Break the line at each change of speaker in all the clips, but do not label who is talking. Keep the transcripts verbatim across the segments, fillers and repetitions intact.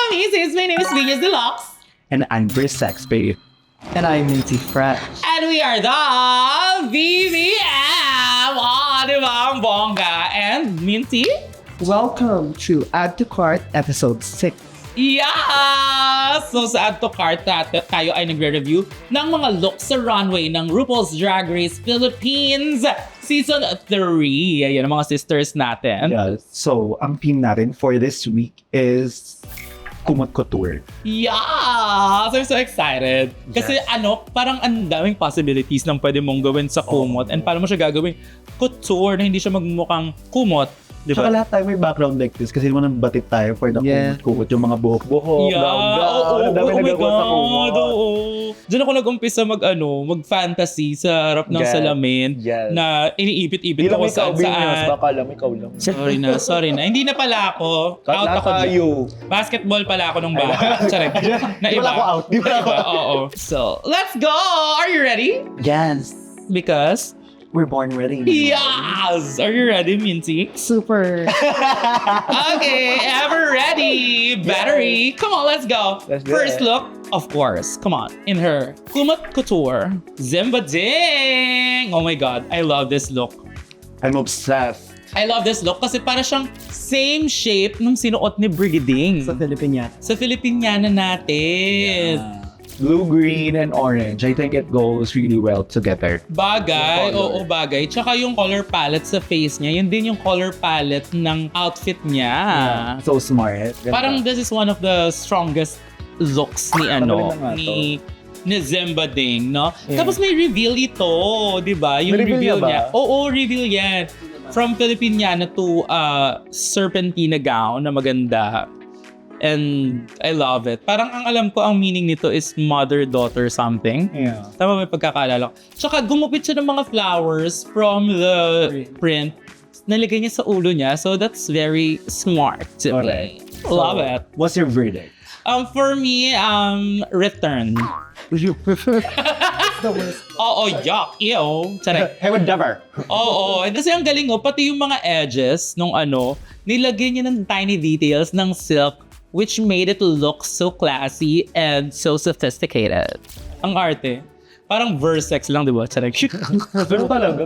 Macy's. My name is Venus Deluxe.
And I'm Briss Saxby.
And I'm Minty Fresh.
And we are the V V M. Oh, di ba? Ang bongga. And Minty?
Welcome to Add to Cart Episode six.
Yeah! So sa Add to Cart natin, tayo ay nagre-review ng mga looks sa runway ng RuPaul's Drag Race Philippines Season three. Ayan ang mga sisters natin.
Yeah, so, ang theme natin for this week is Kumot Couture.
Yeah! So I'm so excited. Kasi
Yes.
ano, parang ang daming possibilities ng pwede mong gawin sa kumot.
Oh.
And paano mo siya gagawin? Couture na hindi siya magmukhang kumot. Di
Tsaka
ba?
lahat tayo may background like this kasi naman ang batit tayo for the
Yeah.
kumot-kumot. Yung mga buhok-buhok,
Yeah, oo,
gown-gown,
oo,
ang dami
oh my
nagagawa sa kumot.
God, oo. Diyan ako nag-umpisa mag, ano, mag-fantasy sa harap ng
Yes.
salamin
Yes.
na iniipit-ipit
Hindi lang
ako
ikaw,
saan
Venus.
saan.
Baka alam, ikaw lang.
Sorry na, sorry na. Hindi na pala ako. Out
Kala
ako dyan.
tayo.
Basketball pala ako nung bata. Sorry. Na
Di pala ako out. Di pala ako
Iba,
out.
Oo. So, let's go! Are you ready?
Yes.
Because...
We're born ready.
Yes! Are you ready, Minty?
Super.
Okay, ever ready. Battery. Come on, let's go.
Let's do
First
it.
look, of course. Come on. In her Kumot Couture. Zimba Ding! Oh my God, I love this look.
I'm obsessed.
I love this look kasi para siyang same shape nung sinuot ni Brigading
Sa Philippine yan.
sa Filipiniana natin.
Blue, green, and orange. I think it goes really well together.
Bagay,
Yung color.
oo bagay. Tsaka yung color palette sa face niya, yun din yung color palette ng outfit niya.
So smart. Ganda.
Parang this is one of the strongest looks ni ano,
Magaling na nga
ni ni Zimba Ding, no?
Yeah.
Tapos may reveal ito, di ba? Yung
May
reveal
reveal niya ba?
niya. Oo, reveal yan. From Filipiniana to uh, Serpentina gown na maganda. And I love it. Parang ang alam ko, ang meaning nito is mother-daughter something.
Yeah.
Tama, may pagkakaalala ko. Tsaka gumupit siya ng mga flowers from the print. Nalagay niya sa ulo niya. So that's very smart to
Alright.
me. Love it.
What's your verdict?
Um, for me, um, return.
Would you prefer?
The worst.
Oo, yuck. Ew. Charay.
I would never.
Oo. And kasi ang galing ko, pati yung mga edges nung ano, nilagay niya ng tiny details ng silk which made it look so classy and so sophisticated. Ang arte. Parang Versex lang, di ba? Charay.
Pero talaga.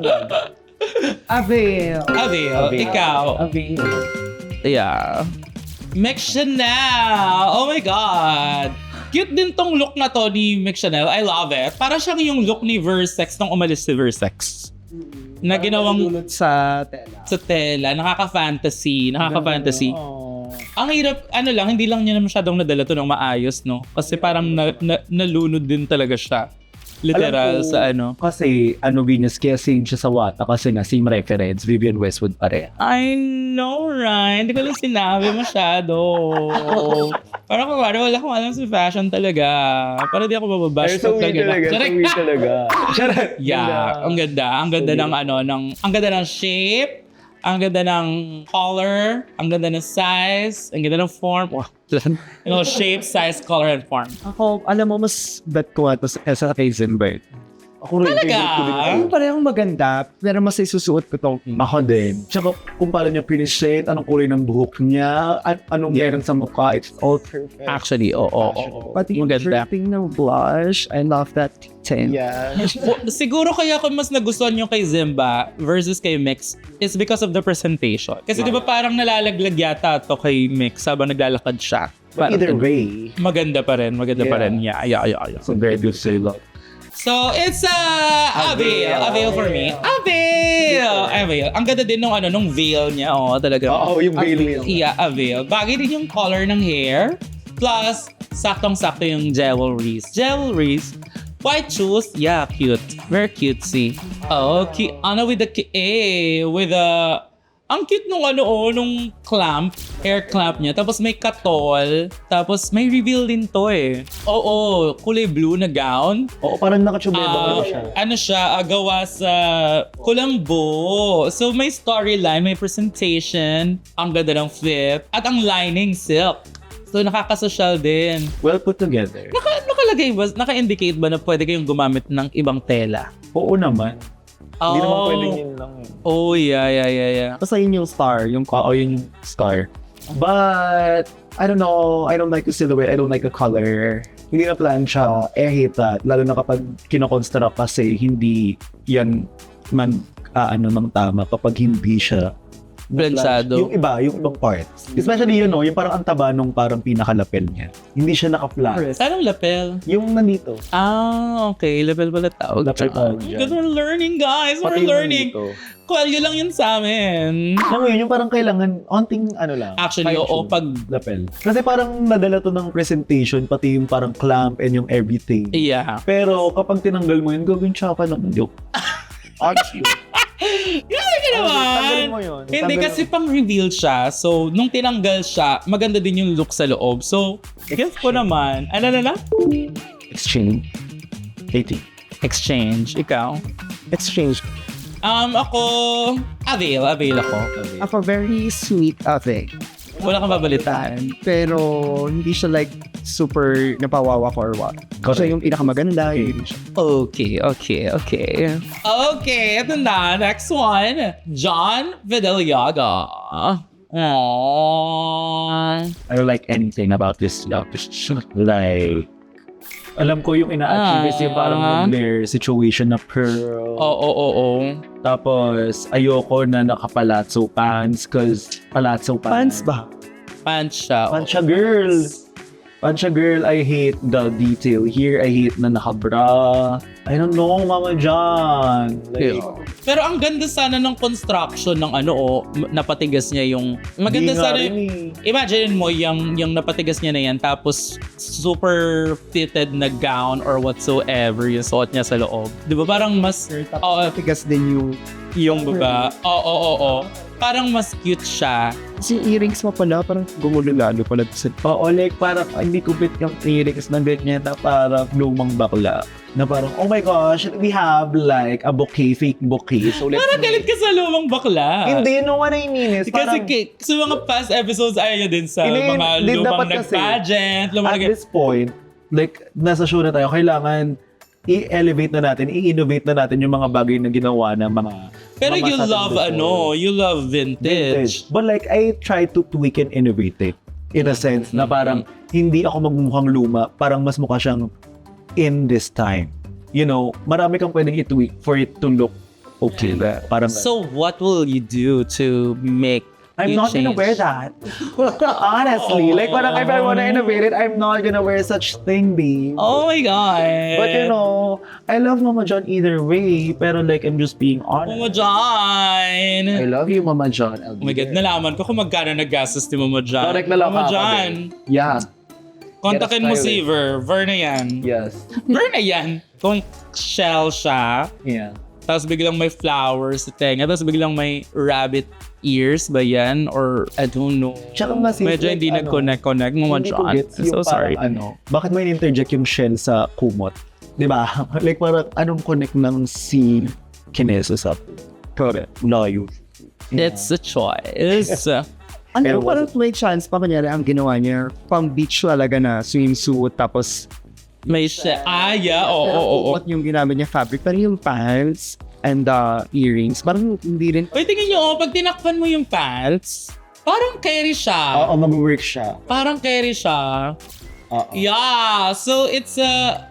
Avail.
Avail,
Avail.
ikaw.
Avail.
Yeah. Mix Chanel! Oh my God! Cute din tong look na to ni Mix Chanel. I love it. Para siyang yung look ni Versex nung umalis si Versex. Na ginawang
Dulot sa tela.
sa tela. Nakaka-fantasy. Nakaka-fantasy.
Oh.
Ang hirap, ano lang, hindi lang niya na masyadong nadala to ng maayos, no? Kasi parang na, na, nalunod din talaga siya. Literal
Alam ko,
sa ano.
Kasi, ano, Venus, kaya same siya sa Wata kasi nga, same reference, Vivian Westwood pare.
I know, right? Hindi ko lang sinabi masyado. Parang kung wala, wala akong alam sa fashion talaga. Para di ako mababash.
so weird talaga, so weird talaga. Charot.
Yeah, ang ganda. Ang ganda
So
ng ano, ng, ang ganda ng shape, ang ganda ng color, ang ganda ng size, ang ganda ng form. Wow. You know, shape, size, color, and form.
Ako, alam mo, mas bet ko ito sa, sa kay Zinbert.
Ako rin,
Talaga?
favorite ko din
Ay,
ito.
parehong maganda, pero mas isusuot ko itong
Ako din. Tsaka kung paano niya pinishade, anong kulay ng buhok niya, an- anong meron sa mukha, it's all perfect.
Actually, oo, oo, oo.
Pati yung
Maganda.
dripping ng blush. I love that tint.
Yeah.
Well, siguro kaya ko mas nagustuhan yung kay Zimba versus kay Mix is because of the presentation. Kasi di ba parang nalalaglag yata to kay Mix habang naglalakad siya.
But
Parang-
either way,
Maganda pa rin, maganda pa
Yeah.
rin. Yeah, yeah, yeah, yeah.
so very good sa'yo.
So, it's uh, Avail. Avail for me. Avail! Avail. Ang ganda din nung, ano, nung veil niya. Oh, talaga.
Oo, yung veil niya.
Yeah, Avail. Bagay din yung color ng hair. Plus, saktong-sakto yung jewelries. Jewelries. White shoes. Yeah, cute. Very cutesy. Oh, cute. Ano with the, ki- eh, with the, ang cute nung ano, oh, nung clamp, hair clamp niya. Tapos may katol. Tapos may reveal din to eh. Oo, kulay blue na gown.
Oo, parang nakachubeba
Ah,
uh, siya.
ano siya, ah, gawa sa Kulambo. So may storyline, may presentation, ang ganda ng fit, at ang lining silk. So nakaka-social din.
Well put together.
Naka, nakalagay ba, naka-indicate ba na pwede kayong gumamit ng ibang tela?
Oo naman. Hindi naman
Oh.
pwedeng yun lang. eh.
Oh, yeah, yeah, yeah, yeah.
Basta yun yung star, yung
Oo, yun yung star. But, I don't know, I don't like the silhouette, I don't like the color. Hindi na plancha, I hate that. Lalo na kapag kinoconstruct kasi hindi yan man, ah, ano, ng tama kapag hindi siya
Planchado.
Yung iba, yung ibang parts. Especially yun, no, yung parang ang taba nung parang pinakalapel niya. Hindi siya naka-flat.
Anong lapel?
Yung nandito.
Ah, okay. Lapel pala tawag.
Lapel tawag dyan.
Because we're learning, guys. We're
Pati yung
learning.
nandito.
Kwalyo lang yun sa amin.
Alam mo yun, yung parang kailangan, onting ano lang.
Actually, oo,
fine-tune.
pag...
Lapel. Kasi parang nadala to ng presentation, pati yung parang clamp and yung everything.
Yeah.
Pero kapag tinanggal mo yun, gagawin siya ka ng joke. Honestly.
Grabe ka naman!
Tanggalin mo yun.
Hindi
Tanggalin
kasi pang-reveal siya. So, nung tinanggal siya, maganda din yung look sa loob. So, guess ko naman. Ano na na?
Exchange. eighty.
Exchange. Ikaw?
Exchange.
Um, ako... Avail. Avail ako.
Ako, very sweet ate.
Wala kang babalitaan.
Pero, hindi siya like super napawawa ko or what. Kasi yung pinakamaganda, yun siya.
Okay, okay, okay. Okay, ito na. Next one. John Vidaliaga. Aww.
I don't like anything about this love. Like, alam ko yung ina-achieve is yung parang
Ah.
their situation na pearl.
Oo, oo, oo.
Tapos, ayoko na naka-palazzo pants cause palazzo pants.
Pants ba?
Pants siya.
Pants siya, girl. Pants siya, girl. I hate the detail here. I hate na naka-bra. I don't know, Mama John. Like,
Pero ang ganda sana ng construction ng ano, oh, m- napatigas niya yung... Maganda
di nga
sana
rin
yung...
eh.
Imagine mo yung, yung napatigas niya na yan, tapos super fitted na gown or whatsoever yung suot niya sa loob. Di ba parang mas... Oo,
Tigas din yung...
yung baba. Oo, oo, oo. Parang mas cute siya.
Kasi earrings mo pala, parang gumulo lalo pala sa...
Oo, like parang hindi kupit yung lyrics na ganyan na parang lumang bakla. Na parang, oh my gosh, we have like a bouquet, fake bouquet. So let's
Parang galit ka sa lumang bakla.
Hindi, no what I mean is
Kasi
parang
ki- sa mga past episodes, ayaw niya din sa
Hindi,
mga
hindi,
lumang
dapat kasi,
nag-pageant, lumang
at
nag-
this point, like nasa show na tayo, kailangan i-elevate na natin, i-innovate na natin yung mga bagay na ginawa ng mga
Pero
mga
you
sa atin
love
before.
ano, you love vintage.
But like, I try to tweak and innovate it. In a sense, na parang hindi ako magmukhang luma, parang mas mukha siyang in this time. You know, marami kang pwedeng i-tweak for it to look okay. Parang,
So what will you do to make
I'm
you
not gonna
change?
wear that. Honestly, like parang if I wanna innovate it, I'm not gonna wear such thing, babe.
Oh my God.
But you know, I love Mama John either way, pero like I'm just being honest.
Mama John.
I love you, Mama John.
Oh my God, nalaman ko kung magkano naggastos ni Mama John.
Correct na lang
Mama
ako,
John,
Yeah.
kontakin mo
Get a
si Ver. Ver na yan.
Yes.
Ver na yan. Kung shell siya,
Yeah.
tapos biglang may flowers sa tenga, tapos biglang may rabbit ears ba yan? Or I don't know.
Tsaka mas
Medyo
like,
hindi
ano,
nag-connect-connect Mama
Hindi ko
John.
gets
I'm so
yung
sorry.
parang Ano, bakit may interject yung shell sa kumot? Di ba? Like parang anong connect ng si Kineso sa correct. Layo.
It's a choice.
Ano
Pero
parang may chance pa kunyari ang ginawa niya, pang beach talaga na swimsuit, tapos
May siya. Ah, yeah. Oo, oo, oo.
What yung ginamit niya fabric, pero yung pants and the earrings, parang hindi rin.
Uy, tingnan nyo, oh, pag tinakpan mo yung pants, parang carry siya.
Oo, mag-work siya.
Parang carry siya.
Oo.
Yeah, so it's a...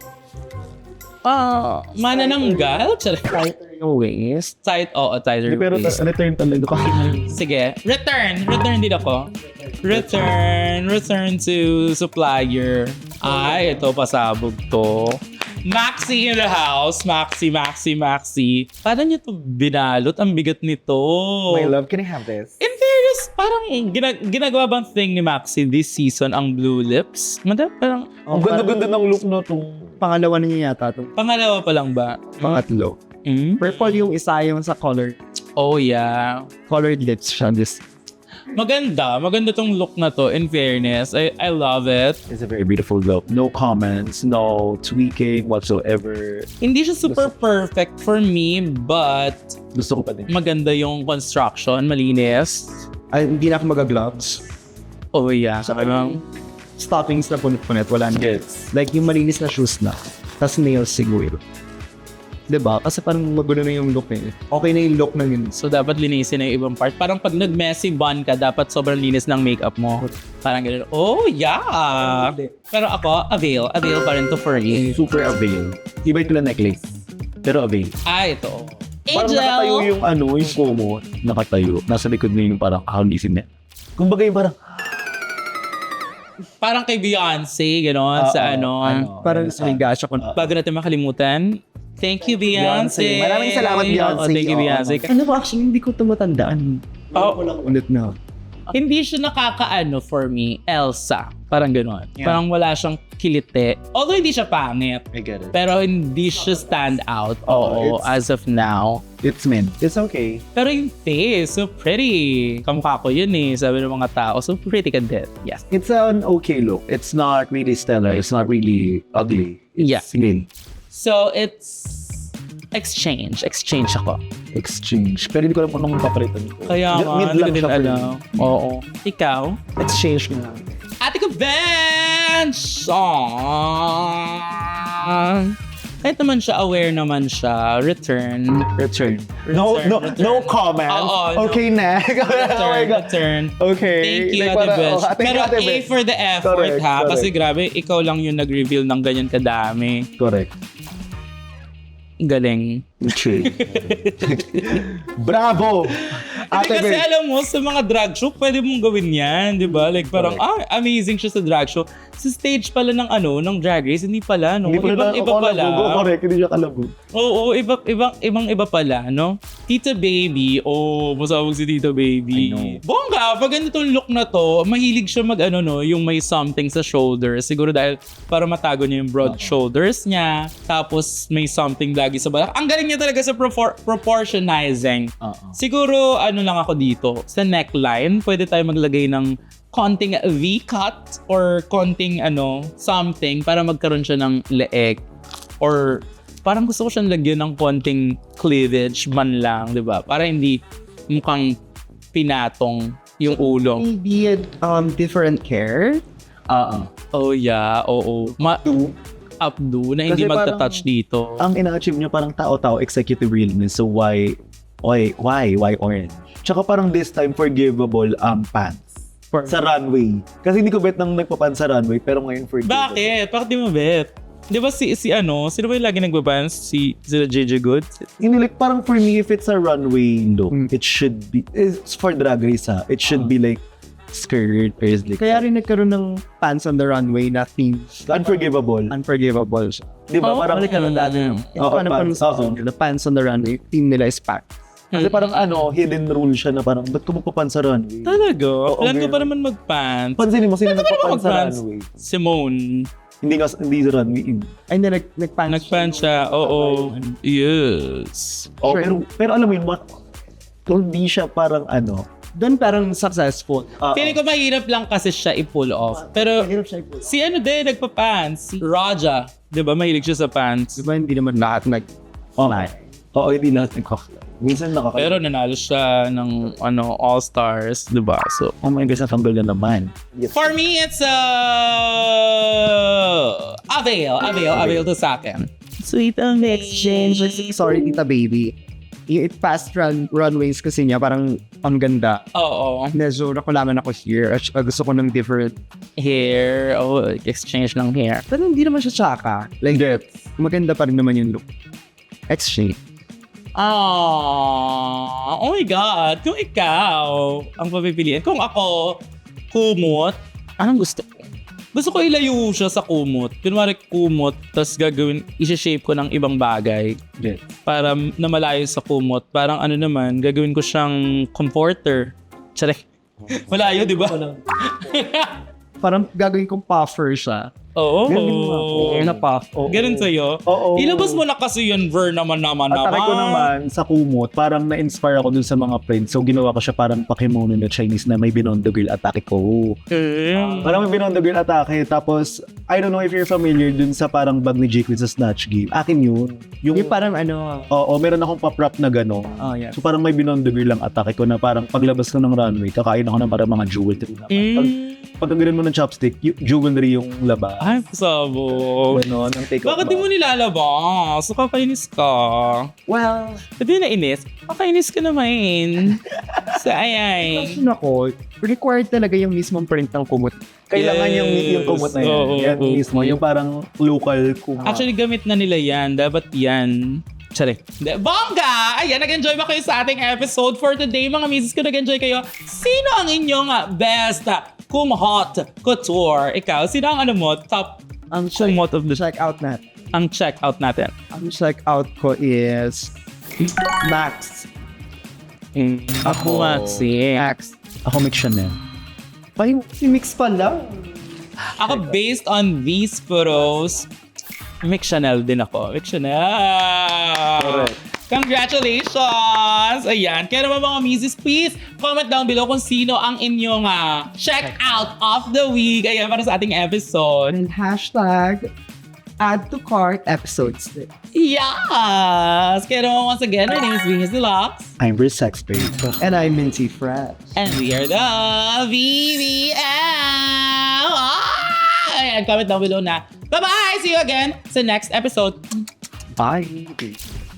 Ah, manananggal? Charot.
Tighter yung waist.
Tight, oo, tighter
Hindi, pero
waist.
tas return talaga kasi
Sige, return. Return din ako. Return. Return to supplier. Ay, ito, pasabog to. Maxi in the house. Maxi, Maxi, Maxi. Paano niyo to binalot? Ang bigat nito.
My love, can I have this?
In fairness, parang gina- ginagawa bang thing ni Maxi this season ang blue lips? Mada, parang
Ang ganda-ganda ng look no tong
Pangalawa na niya yata itong
pangalawa pa lang ba?
pangatlo.
Mm?
Purple yung isa, yung sa color.
Oh yeah.
Colored lips siya. This.
Maganda. Maganda tong look na to. In fairness, I, I love it.
It's a very beautiful look. No comments, no tweaking whatsoever.
Hindi siya super perfect for me, but
Gusto ko pa din.
maganda yung construction. Malinis.
Ay, hindi na ako mag-gloves.
Oh yeah.
Saka yung stockings na punit-punit, wala na.
Yes.
Like yung malinis na shoes na. Tapos nails siguro. Diba? Kasi parang magulo na yung look eh. Okay na yung look na yun.
So, dapat linisin na yung ibang part. Parang pag nag-messy bun ka, dapat sobrang linis ng makeup mo. Parang gano'n. Oh, yeah! Pero ako, avail. Avail pa rin to for you.
Super avail. Iba ito na necklace. Pero avail.
Ah, ito.
Parang nakatayo
Angel!
yung ano, yung Como. Nakatayo. Nasa likod na yung parang kakalisin niya. Kumbaga yung parang,
Parang kay Beyonce, gano'n, sa
Oo,
ano.
Parang sa gasya ko.
Bago natin makalimutan, thank you, Beyonce.
Beyonce. Maraming salamat, Beyonce.
Oo, thank you,
Oo.
Beyonce.
Ano ba, actually, hindi ko ito matandaan.
Oh.
Ko lang ulit na.
Hindi siya nakakaano for me, Elsa. Parang gano'n.
Yeah.
Parang wala siyang kilite. Although hindi siya pangit.
I get it.
Pero hindi siya stand out. Oo,
it's-
as of now.
It's meant. It's okay.
Pero yung face, so pretty. Kamukha ko yun eh, sabi ng mga tao. So pretty ka din. Yes.
It's an okay look. It's not really stellar. It's not really ugly. It's
Yeah.
good.
So it's exchange. Exchange ako.
Exchange. Pero hindi ko alam kung anong papalitan ko.
Kaya
Mid-
nga,
mid
hindi ko
lang
din
siya for me.
alam. Oo. Ikaw?
Exchange nga.
Ate ko, Bench! Aww. Kahit naman siya, aware naman siya. Return.
Return. No,
Return,
no,
return.
no comment.
Oo, no.
okay, next. oh my
Return.
God.
Return.
Okay.
Thank you,
Like,
Ate
para-
Bench.
oh, thank
Pero
you, Ate
A
Bench.
for the effort,
Correct,
ha? Kasi
correct.
grabe, ikaw lang yung nag-reveal ng ganyan kadami.
Correct.
Galing.
Okay. Bravo!
Hindi
Ate
kasi
Bench.
alam mo, sa mga drag show, pwede mong gawin yan, di ba? Like parang, ah, amazing siya sa drag show. Sa stage pala ng ano, ng drag race, hindi pala, no?
Hindi pala
Ibang iba pala.
kalabog. Correct, hindi siya kalabog.
Oo, iba, ibang, ibang iba pala, no? Tita Baby, oh, masabog si Tita Baby.
I know.
Bongga, pag ganitong look na to, mahilig siya mag, ano, no, yung may something sa shoulders. Siguro dahil para matago niya yung broad shoulders niya. Tapos may something lagi sa balak. Ang galing niya talaga sa propor- proportionizing.
Oo.
Siguro, ano lang ako dito, sa neckline, pwede tayo maglagay ng konting V-cut or konting ano, something para magkaroon siya ng leeg. Or parang gusto ko siyang lagyan ng konting cleavage man lang, di ba? Para hindi mukhang pinatong yung ulo.
Maybe a um, different hair.
Oo.
Oh yeah, oo. Ma- updo na hindi
Kasi parang-
magta-touch dito.
Ang ina-achieve niya parang tao-tao, executive realness. So why, why, why, why orange? Tsaka parang this time forgivable um, pants.
For-
Sa runway. Kasi hindi ko bet nang nagpapan sa runway, pero ngayon forgivable.
Bakit? Bakit di mo bet? Di ba si, si ano, sino ba yung lagi nagbabans? Si, si J J Good?
Hindi, like, parang for me, if it's a runway look,
Mm.
it should be, it's for drag race ha, it should be like, skirt, or is like,
Kaya rin nagkaroon ng pants on the runway na theme.
unforgivable.
Unforgivable siya.
Di ba?
Oh,
parang,
balik ka na dati.
Ito
Oo,
ano
pants.
pa
Oo.
the pants on the runway, team nila is packed.
Kasi parang ano, hidden rule siya na parang, ba't ko magpapan sa runway?
Talaga?
Oo,
Plan ko
meron.
pa naman mag-pants.
Pansinin mo, sino
Ba't ka
nagpapan sa
mag-pants?
runway?
Simone.
Hindi nga, hindi sa runway.
Ay, na nag, nag-pants.
Nag-pants siya. Oo. Yes.
Oh,
Sure.
pero, pero alam mo yun, what, kung di siya parang ano,
Doon parang successful.
ah,
Feeling ko mahirap lang kasi siya i-pull off. Pero
Mahirap siya i-pull.
si ano din, nagpa-pants. Si Raja. Di ba? Mahilig siya sa pants.
Diba hindi naman lahat nag...
oh, oo, hindi lahat nagkakla. Minsan nakakala.
Pero nanalo siya ng ano All-Stars. Di ba? So,
oh my gosh, natanggal na naman.
for me, it's a avail. Avail. Avail to sa akin.
Sweet ang exchange. Sorry, Tita Baby. Yung it past run, runways kasi niya, parang ang ganda.
Oo.
Medyo nakulaman ako here. At uh, gusto ko ng different.
Hair. Oh, exchange ng hair.
Pero hindi naman siya tsaka. Like, maganda pa rin naman yung look. Exchange.
Ah, oh my God. Kung ikaw ang papipiliin. Kung ako, kumot, anong gusto ko? Gusto ko ilayo siya sa kumot. Kunwari kumot, tapos gagawin, isi-shape ko ng ibang bagay
Yes.
para na malayo sa kumot. Parang ano naman, gagawin ko siyang comforter. Tsare. Malayo, di ba?
Parang gagawin kong puffer siya.
Oo.
Ganun nga ako.
Na puff.
Oo.
Ganun sa'yo?
Oo.
Ilabas mo na kasi yun, Ver, naman naman
At
naman.
try ko naman sa kumot, parang na-inspire ako dun sa mga friends. So ginawa ko siya parang Pokemon na Chinese na may Binondo Girl Atake ko.
Okay.
Parang may Binondo Girl Atake. Tapos, I don't know if you're familiar dun sa parang bag ni Jake sa Snatch Game. Akin yun. Yung,
Yung parang ano...
oo, meron akong pa-prop na gano'n.
Oh, yeah.
So parang may Binondo Girl lang atake ko na parang paglabas ko ng runway, kakain ako ng parang mga jewelry na. Pag,
Mm.
pagkagalan mo ng chopstick, y- jewelry yung laba.
Ay, pasabog.
Ganon, ang take
Bakit di mo nilalabas? So, kakainis ka.
Well,
Hindi na inis. Kakainis ka naman. Sa ayay.
question ako, required talaga yung mismong print ng kumot.
Kailangan
Yes.
yung, yung kumot na yan.
Oo,
yan
oo,
mismo,
oo.
yung parang local kumot.
Actually, gamit na nila yan. Dapat yan. Tsari. De- Bongga! Ayan, nag-enjoy ba kayo sa ating episode for today? Mga misis ko, nag-enjoy kayo. Sino ang inyong ah, best ah, kumhot couture? Ikaw, sino ang ano mo? Top
Ang check,
kumhot of the
check out nat.
ang check out natin?
Ang check out ko is Max.
Ako nga si.
Max.
Ako mix Chanel.
Ay, si Mix pala.
Ako, based on these photos, Mick Chanel din ako. Mick Chanel!
Correct.
Congratulations! Ayan. Kaya naman mga misis, please comment down below kung sino ang inyong ah, check out of the week. Ayan, para sa ating episode.
And hashtag add to cart episodes.
Yes! Kaya naman once again, my name is Venus Deluxe.
I'm Riz Sex Babe.
And I'm Minty Fresh.
And we are the V V M! Ah! Ayan, comment down below na. Bye-bye! See you again sa next episode.
Bye.